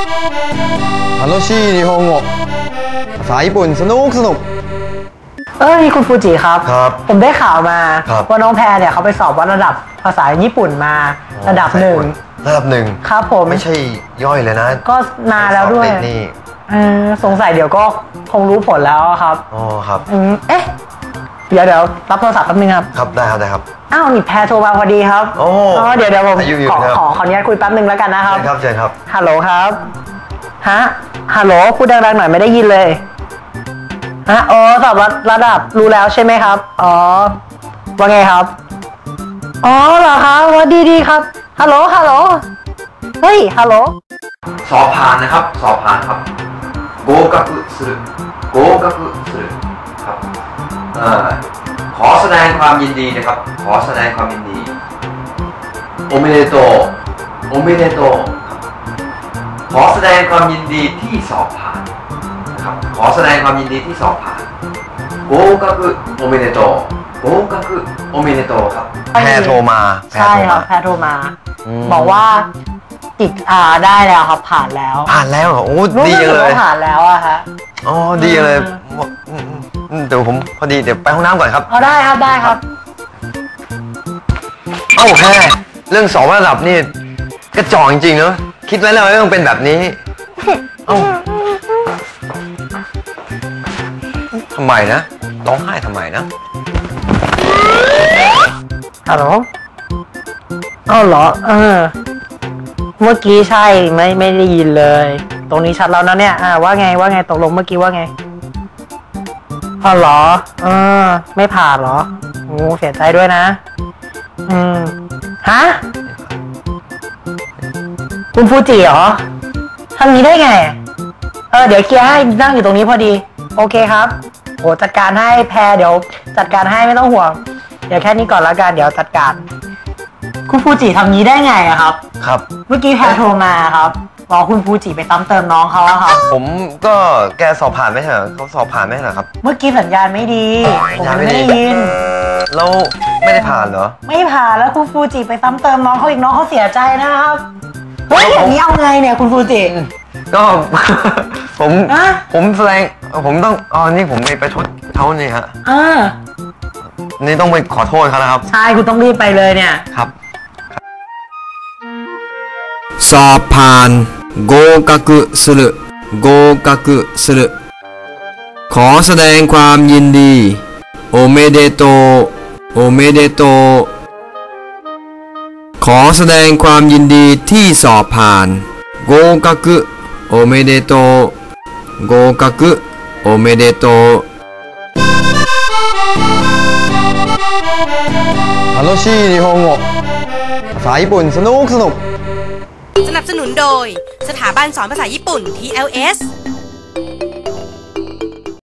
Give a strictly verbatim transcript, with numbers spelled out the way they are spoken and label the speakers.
Speaker 1: 楽しい日本語ภาษาญี่ปุ่นสนุกสนุก
Speaker 2: เอ้ยคุณฟูจิครับ
Speaker 1: ครับ
Speaker 2: ผมได้ข่าวมาว่าน้องแพรเนี่ยเขาไปสอบวัดระดับภาษาญี่ปุ่นมาระดับหนึ่ง
Speaker 1: ระดับหนึ่ง
Speaker 2: ครับผม
Speaker 1: ไม่ใช่ย่อยเลยนะ
Speaker 2: ก็นานแล้วด้วยสงสัยเดี๋ยวก็คงรู้ผลแล้วครับ
Speaker 1: อ๋อครับ
Speaker 2: เอ๊ะเดี๋ยวเดี๋ยวรับโทรศัพท์แป๊บนึงครับ
Speaker 1: ครับได้ครับได้ครับ
Speaker 2: อ้าวนี่แพรโทรมาพอดีครับ
Speaker 1: อ๋อ
Speaker 2: เดี๋ยวเดี๋ยวผมขอขอขออนุญาตคุยแป๊บนึงแล้วกันนะครับ
Speaker 1: ครับเชิญครับ
Speaker 2: ฮัลโหลครับฮะฮัลโหลพูดดังๆหน่อยไม่ได้ยินเลยฮะอ๋อสอบระดับรู้แล้วใช่ไหมครับอ๋อว่าไงครับอ๋อเหรอครับว่าดีดีครับฮัลโหลฮัลโหลเฮ้ยฮัลโหล
Speaker 3: สอบผ่านนะครับสอบผ่านครับ合格する合格するครับขอแสดงความยินดีนะครับขอแสดงความยินดีโอเมเดโตโอเมเดโตขอแสดงความยินดีที่สอบผ่านนะครับขอแสดงความยินดีที่สอบผ่าน合格โอเมเดโต合格โอเมเดโตครับ
Speaker 1: แพรโทรมา
Speaker 2: ใช่ครับแพรโทรมาบอกว่าติดอ่าได้แล้วครับผ่านแล้ว
Speaker 1: ผ่านแล้วเหรอโอ้ดีเลย
Speaker 2: ผ่านแล้วอะฮะ
Speaker 1: อ๋อดีเลยเดี๋ยวผมพอดีเดี๋ยวไปห้องน้ำก่อนครับ
Speaker 2: เอาได้ครับได้ครับ
Speaker 1: เอ้าแค่เรื่องสอบระดับนี่กระจอกจริงๆเนอะคิดไว้แล้วว่าต้องเป็นแบบนี้เอ้าทำไมนะร้องไห้ทำไมนะ
Speaker 2: ฮัลโหลอ้าวเหรอเออเมื่อกี้ใช่ไม่ไม่ได้ยินเลยตรงนี้ชัดแล้วนะเนี่ยอ่าว่าไงว่าไงตกลงเมื่อกี้ว่าไงอ๋อเหรอเออไม่ผ่านเหรอโอ้เสียใจด้วยนะอืมฮะคุณฟูจิเหรอทำนี้ได้ไงเออเดี๋ยวเคลียร์ให้นั่งอยู่ตรงนี้พอดีโอเคครับโอ้จัดการให้แพรเดี๋ยวจัดการให้ไม่ต้องห่วงเดี๋ยวแค่นี้ก่อนแล้วกันเดี๋ยวจัดการคุณฟูจิทำนี้ได้ไงอะครับ
Speaker 1: ครับ
Speaker 2: เมื่อกี้แพรโทรมาครับรอคุณฟูจิไปซ้ำเติมน้องเขาอะครับ
Speaker 1: ผมก็แกสอบผ่านไม่ใช่เหรอเขาสอบผ่านไม่ใช่เหรอครับ
Speaker 2: เมื่อกี้สัญญาณไม่ดีผมไม่ได้ยิน
Speaker 1: แล้วไม่ได้ผ่านเหรอ
Speaker 2: ไม่ผ่านแล้วคุณฟูจิไปซ้ำเติมน้องเขาอีกน้องเขาเสียใจนะครับเฮ้ยอย่างนี้เอาไงเนี่ยคุณฟูจิ
Speaker 1: ก็ผมผมแสดงผมต้องอ๋อนี่ผมไปประชดเขาเนี่ยฮะ
Speaker 2: อ่า
Speaker 1: นี่ต้องไปขอโทษเขานะครับ
Speaker 2: ใช่คุณต้องรีบไปเลยเนี่ย
Speaker 1: ครับ
Speaker 4: สอบผ่าน合格する合格するขอแสดงความยินดีโอเมเดโตโอเมเดโตขอแสดงความยินดีที่สอบผ่าน合格โอเมเดโต合格โอเมเดโต
Speaker 1: 楽しい日本語ภาษาญี่ปุ่นสนุกสนุก
Speaker 5: สนับสนุนโดยสถาบันสอนภาษาญี่ปุ่น ที แอล เอส